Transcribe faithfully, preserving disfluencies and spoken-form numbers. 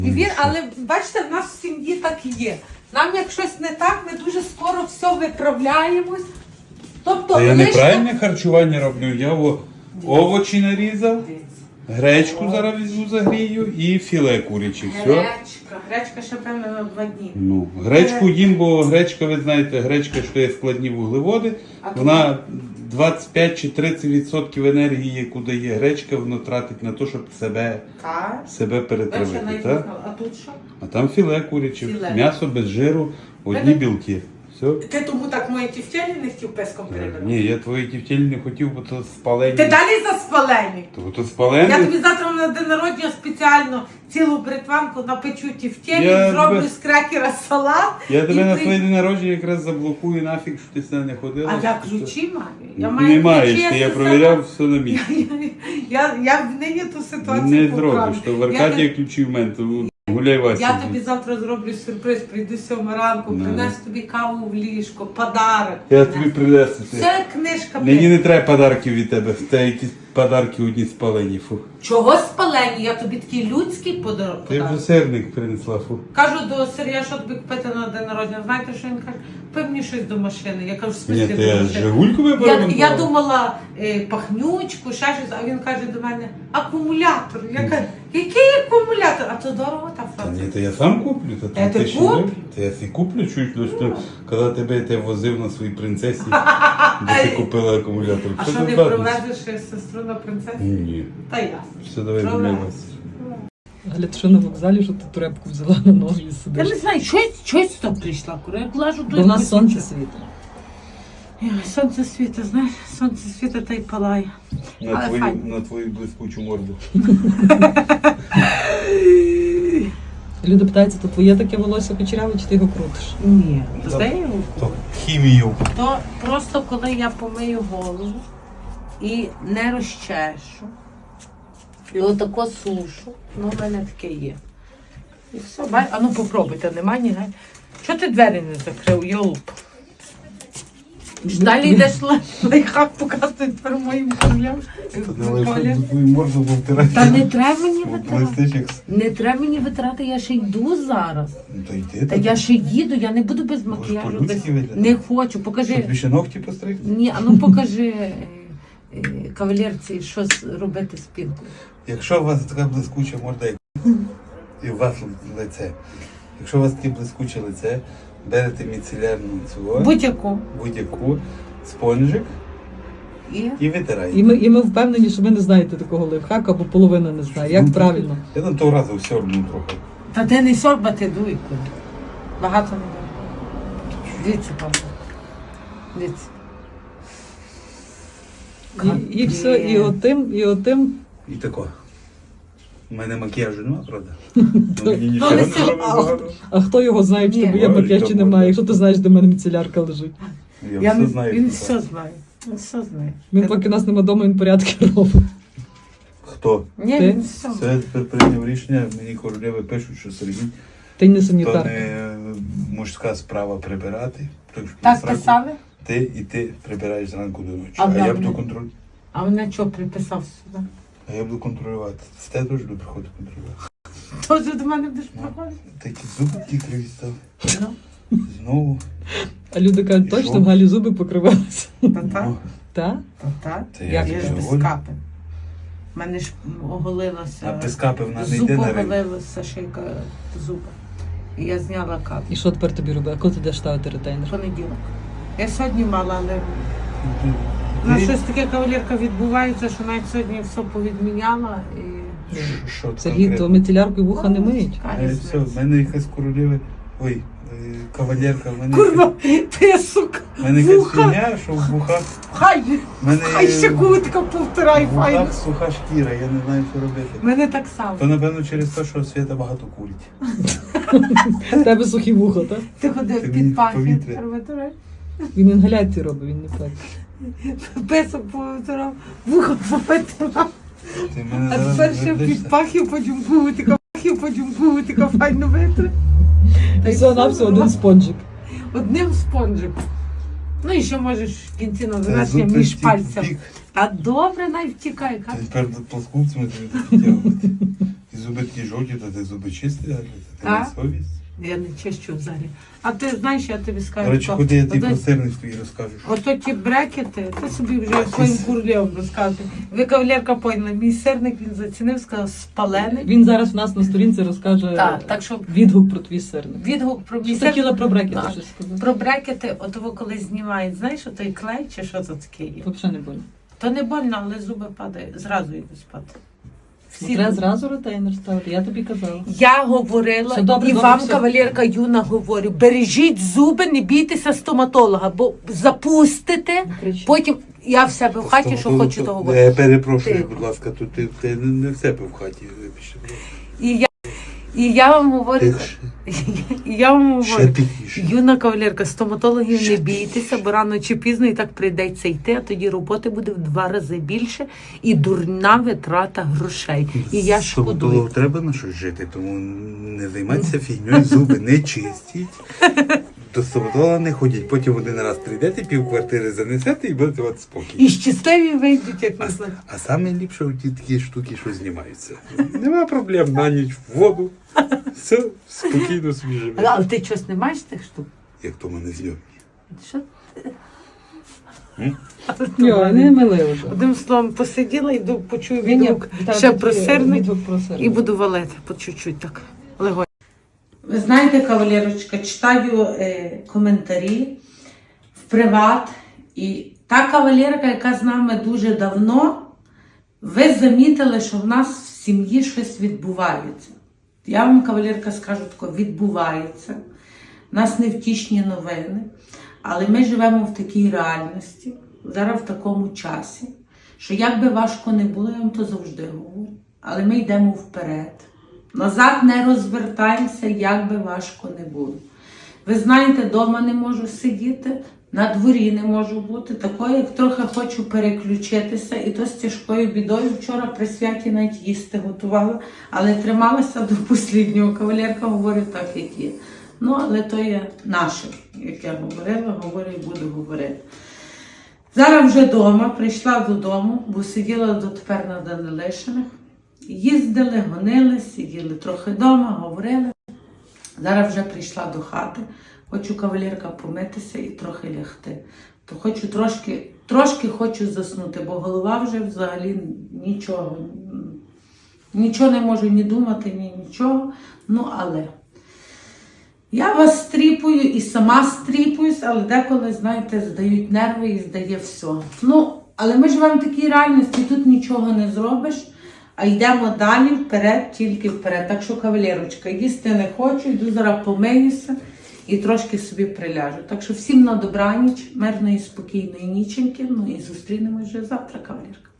І він, але бачите, в нас в сім'ї так і є. Нам як щось не так, ми дуже скоро все виправляємось. Тобто, Та я лише... неправильне харчування роблю. Я о, овочі нарізав, гречку зараз візьму загрію і філе куряче. Все. Гречка. Гречка ще певно на два дні. Ну, гречку їм, бо гречка, ви знаєте, гречка, що є складні вуглеводи. Вона двадцять п'ять чи тридцять відсотків енергії, яку дає гречка, воно тратить на те, щоб себе, Так. себе перетравити. Так? А тут що? А там філе куряче, Філе. м'ясо без жиру, одні білки. Все. Ти тому так мої тівтєлі не хотів песком прибирати? Ні, я твої тівтєлі не хотів, бо то спалені. Ти далі за спалені. То, то спалені. Я тобі завтра на день народження спеціально цілу бритванку напечу тівтєлі, Я зроблю тебе- з крекера салат. Я тебе і на при- твоє день народження якраз заблокую нафіг, що ти з нею не ходила. А я що- ключі маю. Я Не маю маєш, ключі, ти, я все провіряв сама. все на місці. Я, я в нині ту ситуацію Не поправлю. зробиш, то в Я Аркадія не- ключі в мене, то гуляй Вася. Я тобі завтра зроблю сюрприз, прийду сьома ранку, Не. принесу тобі каву в ліжко, подарок. Я тобі принесу. ти. Це книжка. Мені блін. не треба подарків від тебе, в тебе якісь подарки одні спалені. Фу. Чого спалені? Я тобі такий людський подарок. Ти вже сирник принесла, фу. Кажу до Сергія, що тобі купити на день народження. Знаєте, що він каже? Купи мені щось до машини. Я кажу, в Ні, смислі то до я машини. Жигульку Я, вибрав. я думала е, пахнючку, ще щось, а він каже до мене, акумулятор. Я кажу, який акумулятор? А то дорого та Та фраза. ні, то я сам куплю. Та, Та ти ти що, куп? Та я си куплю чуть, ну, що, коли тебе я возив на своїй принцесі, де ти купила акумулятор. А Що що ти не бачиш? проведеш е, сестру на принцесу? Ні. Та ясно. Все, давай Проведеш. гуляй Вася. Галя, ти що на вокзалі, що ти турепку взяла на ноги і Я сидиш? не знаю, щось, щось там прийшла, кура. Я лажу Бо в нас сонце світить. Ой, сонце світить, знаєш, сонце світить та й палає. На Але твою, файно. на твою блискучу морду. Люди питаються, то твоє таке волосся кучеряве, чи ти його крутиш? Ні, Та- то його? То хімію. То просто коли я помию голову і не розчешу, і отако сушу, ну в мене таке є. І все, бай, а ну попробуйте, нема ні гай. Чого ти двері не закрив, йолуп? Далі йдеш лайфхак показують тепер моїм королям. твою морду повтирати. Та не треба мені витирати. Блистиш як... Не треба мені витирати, я ще йду зараз. Ну, то йди. Та я ще їду, я не буду без макіяжу. Без... по-людськи виглядати? Не хочу, покажи. Тобі ще ногті постригти? Ні, а ну покажи е, е, кавалерці, що з- робити з пінкою. Якщо у вас така блискуча морда, як і у вас лице. Якщо у вас таке блискуче лице, берете міцелярну цю Будь-яку. будь-яку спонжик І і витираєте. І ми, і ми впевнені, що ви не знаєте такого лайфхака, бо половина не знає. Як правильно? Я там того разу все одну трохи. та ти не сорбати дуй. куди. Багато не дай. Дивіться, пане. Дивіться. І, і все, і отим, і отим. І тако. У мене макіяжу нема, правда? Ну, мені нічого але не це- робить багато. А хто його знає, чи Ні. тебе є Ой, макіяж, чи та немає, буде. якщо ти знаєш, де в мене міцелярка лежить. Я Я все не- знаю. Він хто все так. знає. Він все знає. Він поки нас нема вдома, він порядки робить. Хто? Ні, Ти? він все. Це я тепер прийняв рішення, мені королеви пишуть, що Сергій, Ти не то санітар. не мужська справа прибирати. Так, що Так зранку писали? Ти і ти прибираєш зранку до ночі. А А, я добре. буду контролювати. А мене що приписав сюди? А я буду контролювати. З тебе теж буду приходити контролювати. Тоже до мене будеш приходити? Такі зуби ті криві стали. Ну, Знову. А люди кажуть, І точно що? в Галі зуби покривалися. та так, Ну, Так? та так. Це Як Я ж вже без голю. капи. У мене ж оголилася. А без капи вона не Зуб йде на ринок. оголилася шийка зуба. І я зняла капу. І що тепер тобі робити? А коли ти йдеш ставити ретейнер? Понеділок. Я сьогодні мала, але на Ти- щось таке кавалерка відбувається, що навіть сьогодні все повідміняла і. Ш- Що це Сергій, то конкретно? міцеляркою вуха не миють. Яка Е, різниця? Все, в мене якась королева. Ой, е, кавалерка, в мене. Курва, ти сука, В мене якась вуха. фігня, що в вухах. Хай, В мене хай ще кутка повторай, в файно. вухах суха шкіра, я не знаю, що робити. У мене так само. То напевно через те, що Свята багато курить. В тебе сухі вуха, так? Ти ходив Ти під мені пахід, повітря. повторяй. Він інгаляцію робить, він не пек. Песок повторав, вухо повторав. Ти мене А зараз тепер ще вердишся. під пахів потім гутика, пахів потім гутика, файно витри. Та й Все на все один спонжик. Одним спонжиком. Ну і ще можеш в кінці на Та завершення зуб між втік- пальцем. втік. Та добре, най втікай. Та Кать. Тепер плоскупцями тобі підтягувати. Ті зуби такі жовті, то ти зуби чисті, а А? ти не совість. Я не чищу взагалі. А ти знаєш, я тобі скажу. До речі, то- куди я тобі то- про сирник твій розкажу. Ото ті брекети, ти собі вже своїм курлєм розказує. Ви, кавалерка, поняла, мій сирник він зацінив, сказав, спалений. Він зараз в нас на сторінці розкаже Так, так що відгук про твій сирник. відгук про мій Що ти сирник. хотіла про брекети Так. щось сказати? Про брекети, от ви коли знімають, знаєш, той клей чи що це таке є? Взагалі не больно. То не больно, але зуби падають, зразу йдуть спати. Всі Треба зуби. зразу ретейнер ставити, я тобі казала. Я говорила, Все добре, і добре, вам, все. кавалерка Юна, говорю, бережіть зуби, не бійтеся стоматолога, бо запустите, Не кричи. потім я в себе в хаті, що хочу, то говорю. Я перепрошую, Тихо. будь ласка, тут ти, ти не, не в себе в хаті. вибачте. І я, і я вам говорю, Тихше, і я вам ще говорю, тихіше. юна кавалерка, стоматологів не бійтеся, бо рано чи пізно і так прийдеться йти, а тоді роботи буде в два рази більше і дурна витрата грошей. І я шкодую. Стоматологу треба на щось жити, тому не займайтеся фігньою, зуби не чистіть. До стоматолога не ходіть. Потім один раз прийдете, пів квартири занесете і будете от спокій. І щасливі вийдуть, як А, не знаю. а саме ліпше у ті такі штуки, що знімаються. Нема проблем на ніч в воду. Все, спокійно собі живе. Але ти щось не маєш тих штук? Як то мене зйомні. Що? М? Йо, не мили вже. Одним словом, посиділа, йду, почую Ні, ні, відгук Віталій, ще тобі про сирник відгук про сирник. і буду валити по чуть-чуть так. Легонь. Ви знаєте, кавалерочка, читаю е, коментарі в приват. І та кавалерка, яка з нами дуже давно, ви замітили, що в нас в сім'ї щось відбувається. Я вам, кавалерка, скажу тако, відбувається. У нас невтішні новини, але ми живемо в такій реальності, зараз в такому часі, що як би важко не було, я вам то завжди говорю, але ми йдемо вперед. Назад не розвертаємося, як би важко не було. Ви знаєте, вдома не можу сидіти, на дворі не можу бути, такою, як трохи хочу переключитися, і то з тяжкою бідою. Вчора при святі навіть їсти готувала, але трималася до останнього. Кавалерка говорить так, як є. Ну, але то є наше, як я говорила, говорю і буду говорити. Зараз вже вдома, прийшла додому, бо сиділа дотепер на Данилишиних. Їздили, гонили, сиділи трохи вдома, говорили. Зараз вже прийшла до хати. Хочу, кавалерка, помитися і трохи лягти. То хочу трошки, трошки хочу заснути, бо голова вже взагалі нічого. Нічого не можу ні думати, ні нічого. Ну, але я вас стріпую і сама стріпуюсь, але деколи, знаєте, здають нерви і здає все. Ну, але ми живемо в такій реальності, тут нічого не зробиш, а йдемо далі, вперед, тільки вперед. Так що, кавалерочка, їсти не хочу, йду зараз помиюся і трошки собі приляжу. Так що всім на добраніч, мирної, спокійної ніченьки, ну і зустрінемось вже завтра, кавалерка.